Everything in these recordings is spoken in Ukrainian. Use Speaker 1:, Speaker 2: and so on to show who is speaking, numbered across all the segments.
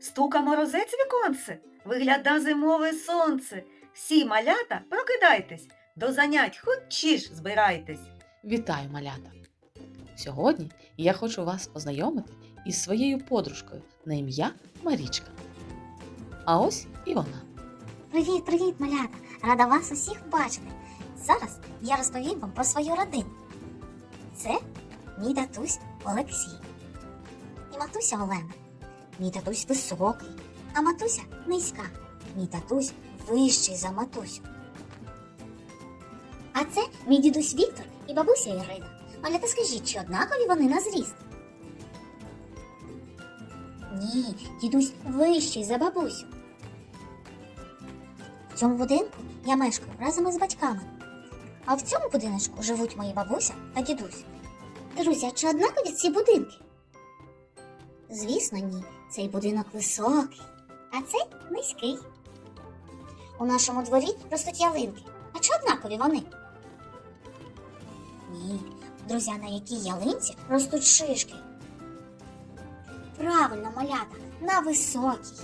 Speaker 1: Стука морозець віконце, вигляда зимове сонце. Всі малята, прокидайтесь, до занять хочеш збирайтесь.
Speaker 2: Вітаю, малята! Сьогодні я хочу вас познайомити із своєю подружкою на ім'я Марічка. А ось і вона.
Speaker 3: Привіт, малята! Рада вас усіх бачити. Зараз я розповім вам про свою родину. Це мій татусь Олексій і матуся Олена. Мій татусь високий, а матуся низька. Мій татусь вищий за матусю. А це мій дідусь Віктор і бабуся Ірина. Малята, скажіть, чи однакові вони на зріст? Ні, дідусь вищий за бабусю. В цьому будинку я мешкаю разом із батьками. А в цьому будиночку живуть мої бабуся та дідусь. Друзі, а чи однакові ці будинки? Звісно, ні. Цей будинок високий, а цей низький. У нашому дворі ростуть ялинки. А чи однакові вони? Ні. Друзі, на якій ялинці ростуть шишки? Правильно, малята, на високій.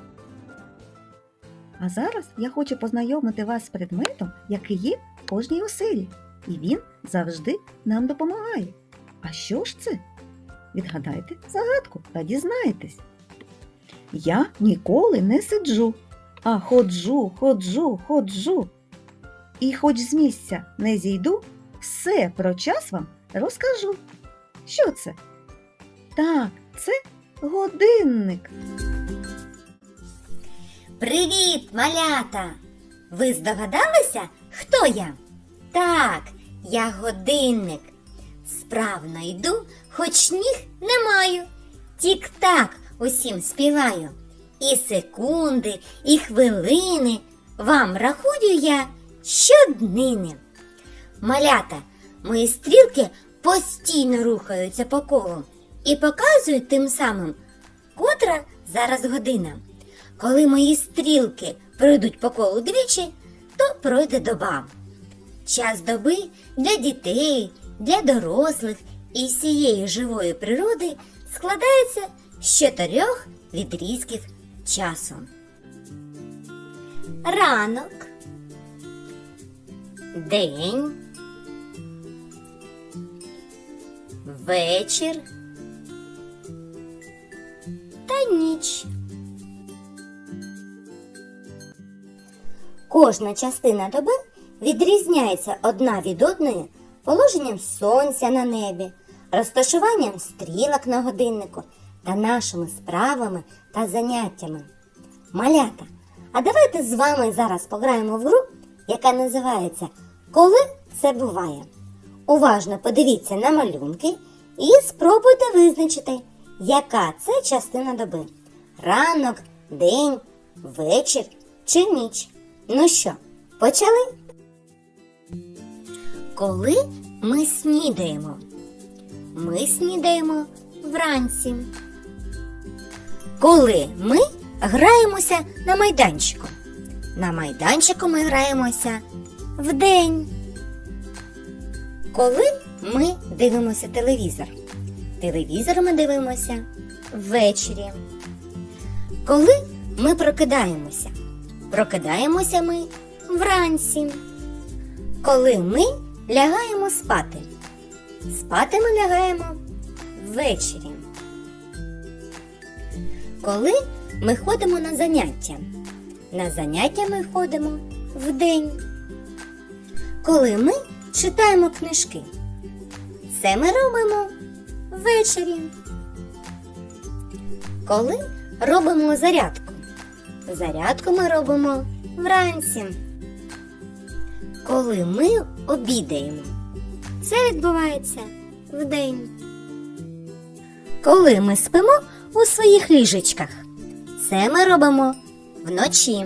Speaker 1: А зараз я хочу познайомити вас з предметом, який є в кожній оселі. І він завжди нам допомагає. А що ж це? Відгадайте загадку та дізнаєтесь. Я ніколи не сиджу, а ходжу. І хоч з місця не зійду, все про час вам розкажу. Що це? Так, це годинник.
Speaker 4: Привіт, малята! Ви здогадалися, хто я? Так, я годинник. Справно йду, хоч ніг не маю. Тік-так усім співаю. І секунди, і хвилини вам рахую я щоднини. Малята, мої стрілки постійно рухаються по колу і показують тим самим, котра зараз година. Коли мої стрілки пройдуть по колу двічі, то пройде доба. Час доби для дітей, для дорослих і всієї живої природи складається з 4 відрізків часу. Ранок, день, вечір та ніч. Кожна частина доби відрізняється одна від одної положенням сонця на небі, розташуванням стрілок на годиннику та нашими справами та заняттями. Малята, а давайте з вами зараз пограємо в гру, яка називається «Коли це буває?». Уважно подивіться на малюнки і спробуйте визначити, яка це частина доби – ранок, день, вечір чи ніч. Ну що, почали? Коли ми снідаємо? Ми снідаємо вранці. Коли ми граємося на майданчику? На майданчику ми граємося вдень. Коли ми дивимося телевізор? Телевізор ми дивимося ввечері. Коли ми прокидаємося? Прокидаємося ми вранці. Коли ми лягаємо спати? Спати ми лягаємо ввечері. Коли ми ходимо на заняття? На заняття ми ходимо вдень. Коли ми читаємо книжки? Це ми робимо ввечері. Коли робимо зарядку? Зарядку ми робимо вранці. Коли ми обідаємо? Це відбувається вдень. Коли ми спимо у своїх ліжечках? Це ми робимо вночі.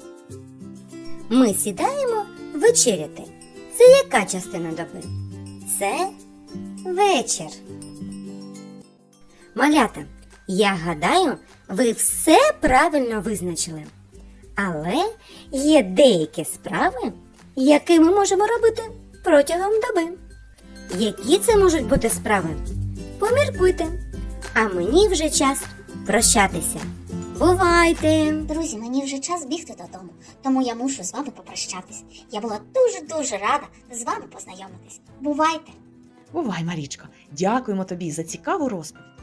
Speaker 4: Ми сідаємо вечеряти. Це яка частина доби? Це вечір. Малята, я гадаю, ви все правильно визначили. Але є деякі справи, які ми можемо робити протягом доби. Які це можуть бути справи? Поміркуйте. А мені вже час прощатися. Бувайте!
Speaker 3: Друзі, мені вже час бігти додому, тому я мушу з вами попрощатись. Я була дуже-дуже рада з вами познайомитись. Бувайте!
Speaker 2: Бувай, Марічко, дякуємо тобі за цікаву розповідь.